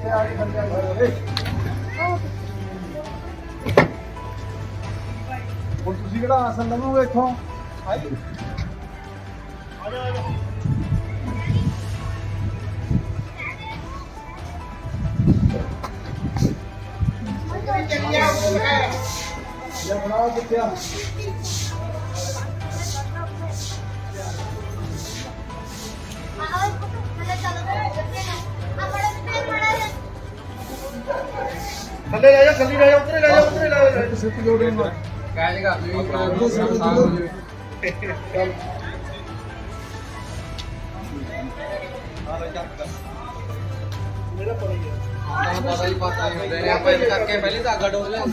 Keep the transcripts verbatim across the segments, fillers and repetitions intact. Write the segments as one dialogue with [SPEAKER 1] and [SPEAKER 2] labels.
[SPEAKER 1] ਹੁਣ ਤੁਸੀਂ ਕਿਹੜਾ ਆਸਨ ਲਵੋਗੇ ਇੱਥੋਂ? ਆਈ ਆ ਜਾ ਆ ਜਾ ये बनाओ कितना थल्ले ले जा थल्ले ले जा उतरे ले जा उतरे ले जा सिर्फ जोड़े ना काहे का मेरा पड़ गया पता ही पता नहीं होता है आप ऐसे करके पहले धागा डोर ले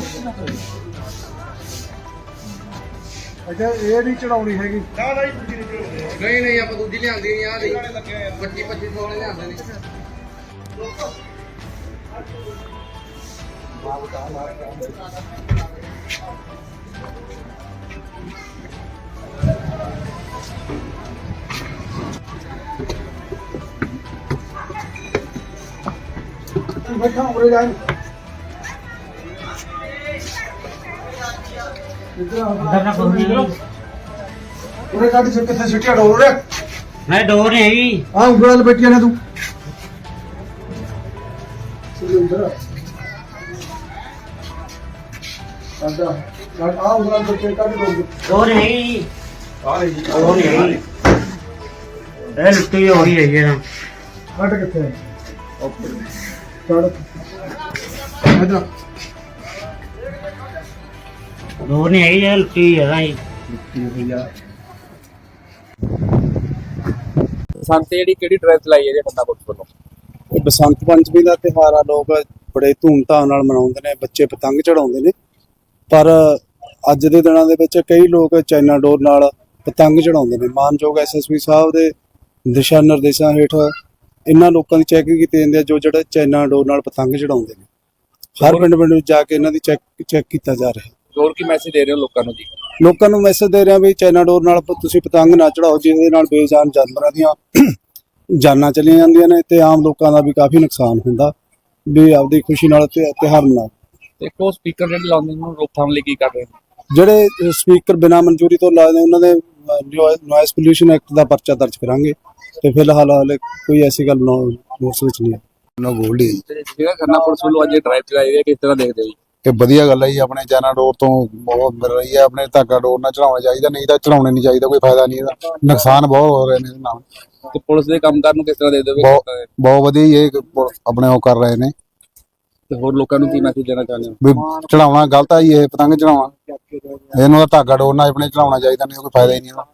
[SPEAKER 1] अच्छा ये नहीं चढ़ाउनी हैगी ना ना दूजी नहीं चढ़ाउनी नहीं नहीं आप दूजी लियांदी नहीं आ नहीं पच्चीस पच्चीस सौ वाले लियांदे नहीं मां बता मार बैठा उरे जाए इधर ना करूंगी उरे काटी से कितने सिटिया डोर रे
[SPEAKER 2] मैं डोर नहीं हैगी
[SPEAKER 1] हां उगड़ल बैठी है ना तू इधर आजा आ उगड़ल बैठी काटी डोर
[SPEAKER 2] डोर नहीं
[SPEAKER 1] आ रही
[SPEAKER 2] डोर नहीं ए लुट्टी हो रही है ये ना
[SPEAKER 1] हट किथे है ऊपर चढ़ इधर
[SPEAKER 2] डोर नहीं हैगी ये लुट्टी है ना ये
[SPEAKER 1] भैया
[SPEAKER 3] बसंत ਜਿਹੜੀ ਕਿਹੜੀ ਡਰਾਈਵ ਚਲਾਈ ਹੈ ਜੀ ਬੰਦਾ ਪੁਲਿਸ ਵੱਲੋਂ?
[SPEAKER 4] ਇਹ ਬਸੰਤ ਪੰਚਮੀ ਦਾ ਤਿਉਹਾਰ ਆ, ਲੋਕ ਬੜੇ ਧੂਮਧਾਮ ਨਾਲ ਮਨਾਉਂਦੇ ਨੇ, ਬੱਚੇ ਪਤੰਗ ਚੜਾਉਂਦੇ ਨੇ। ਪਰ ਅੱਜ ਦੇ ਦਿਨਾਂ ਦੇ ਵਿੱਚ ਕਈ ਲੋਕ ਚਾਈਨਾ ਡੋਰ ਨਾਲ ਪਤੰਗ ਚੜਾਉਂਦੇ ਨੇ। ਮਾਨਯੋਗ ਐਸਐਸਪੀ ਸਾਹਿਬ ਦੇ ਦਿਸ਼ਾ ਨਿਰਦੇਸ਼ਾਂ ਹੇਠ ਇਹਨਾਂ ਲੋਕਾਂ ਦੀ ਚੈਕਿੰਗ ਕੀਤੀ ਜਾਂਦੀ ਹੈ ਜੋ ਜਿਹੜੇ ਚਾਈਨਾ ਡੋਰ ਨਾਲ ਪਤੰਗ ਚੜਾਉਂਦੇ ਨੇ। ਹਰ ਪਿੰਡ ਪਿੰਡ ਵਿੱਚ ਜਾ ਕੇ ਇਹਨਾਂ ਦੀ ਚੈੱਕ ਚੈੱਕ ਕੀਤਾ ਜਾ ਰਿਹਾ ਹੈ।
[SPEAKER 3] ਹੋਰ ਕੀ ਮੈਸੇਜ ਦੇ ਰਹੇ ਹੋ ਲੋਕਾਂ ਨੂੰ ਜੀ?
[SPEAKER 4] ਲੋਕਾਂ ਨੂੰ ਮੈਸੇਜ ਦੇ ਰਿਹਾ ਵੀ ਚਾਈਨਾ ਡੋਰ ਨਾਲ ਤੁਸੀਂ ਪਤੰਗ ਨਾ ਚੜਾਓ, ਜਿਹਦੇ ਨਾਲ ਬੇਜਾਨ ਜਾਨਵਰਾਂ ਦੀਆਂ ਜਾਨਾਂ ਚਲੀਆਂ ਜਾਂਦੀਆਂ ਨੇ ਤੇ ਆਮ ਲੋਕਾਂ ਦਾ ਵੀ ਕਾਫੀ ਨੁਕਸਾਨ ਹੁੰਦਾ। ਵੀ ਆਪਦੀ ਖੁਸ਼ੀ ਨਾਲ ਤਿਉਹਾਰ ਮਨਾਓ।
[SPEAKER 3] ਤੇ ਕੋ ਸਪੀਕਰ ਜਿਹੜੇ ਲਾਉਂਦੇ ਨੂੰ ਰੋਕਥਾਮ ਲਈ ਕੀ ਕਰ ਰਹੇ ਨੇ?
[SPEAKER 4] ਜਿਹੜੇ ਸਪੀਕਰ ਬਿਨਾਂ ਮਨਜ਼ੂਰੀ ਤੋਂ ਲਾਏ ਨੇ ਉਹਨਾਂ ਦੇ ਨੋਇਸ ਪੋਲਿਊਸ਼ਨ ਐਕਟ ਦਾ ਪਰਚਾ ਦਰਜ ਕਰਾਂਗੇ ਤੇ ਫਿਲਹਾਲ ਹਾਲੇ ਕੋਈ ਐਸੀ ਗੱਲ ਨੋਟਿਸ ਵਿੱਚ ਨਹੀਂ ਹੈ।
[SPEAKER 5] ਨਾ ਗੋਲਡੀ
[SPEAKER 3] ਜਿਹੜਾ ਖੰਨਾ ਪੁਲਿਸ ਵੱਲੋਂ ਅੱਜ ਡਰਾਈਵ ਚਲਾਈ ਹੈ, ਕਿਸ ਤਰ੍ਹਾਂ ਦੇਖਦੇ ਹੋ ਜੀ?
[SPEAKER 5] ਇਹ ਵਧੀਆ ਗੱਲ ਹੈ ਜੀ। ਆਪਣੇ ਚਾਈਨਾ ਡੋਰ ਤੋਂ ਬਹੁਤ ਮਿਲ ਰਹੀ ਹੈ। ਆਪਣੇ ਧਾਗਾ ਡੋਰ ਨਾਲ ਚੜਾਉਣਾ ਚਾਹੀਦਾ, ਨਹੀਂ ਤਾਂ ਚੜਾਉਣੇ ਨਹੀਂ ਚਾਹੀਦਾ, ਕੋਈ ਫਾਇਦਾ ਨਹੀਂ ਇਹਦਾ, ਨੁਕਸਾਨ ਬਹੁਤ ਹੋ ਰਹੇ ਨੇ ਇਹਦੇ ਨਾਲ।
[SPEAKER 3] ਤੇ ਪੁਲਿਸ ਦੇ ਕੰਮਕਾਰ ਨੂੰ ਕਿਸ ਤਰ੍ਹਾਂ ਦੇਖਦੇ ਹੋ?
[SPEAKER 5] ਬਹੁਤ ਬਹੁਤ ਵਧੀਆ ਇਹ ਆਪਣੇ ਉਹ ਕਰ ਰਹੇ ਨੇ।
[SPEAKER 3] ਤੇ ਹੋਰ ਲੋਕਾਂ ਨੂੰ ਕੀ ਮੈਸੇਜ ਦੇਣਾ ਚਾਹੁੰਦੇ ਹੋ?
[SPEAKER 5] ਵੀ ਚੜਾਉਣਾ ਗਲਤ ਆ ਜੀ, ਇਹ ਪਤੰਗ ਚੜਾਉਣਾ, ਇਹਨੂੰ ਤਾਂ ਧਾਗਾ ਡੋਰ ਨਾਲ ਆਪਣੇ ਚੜਾਉਣਾ ਚਾਹੀਦਾ, ਨਹੀਂ ਕੋਈ ਫਾਇਦਾ ਹੀ ਨਹੀਂ ਇਹਦਾ।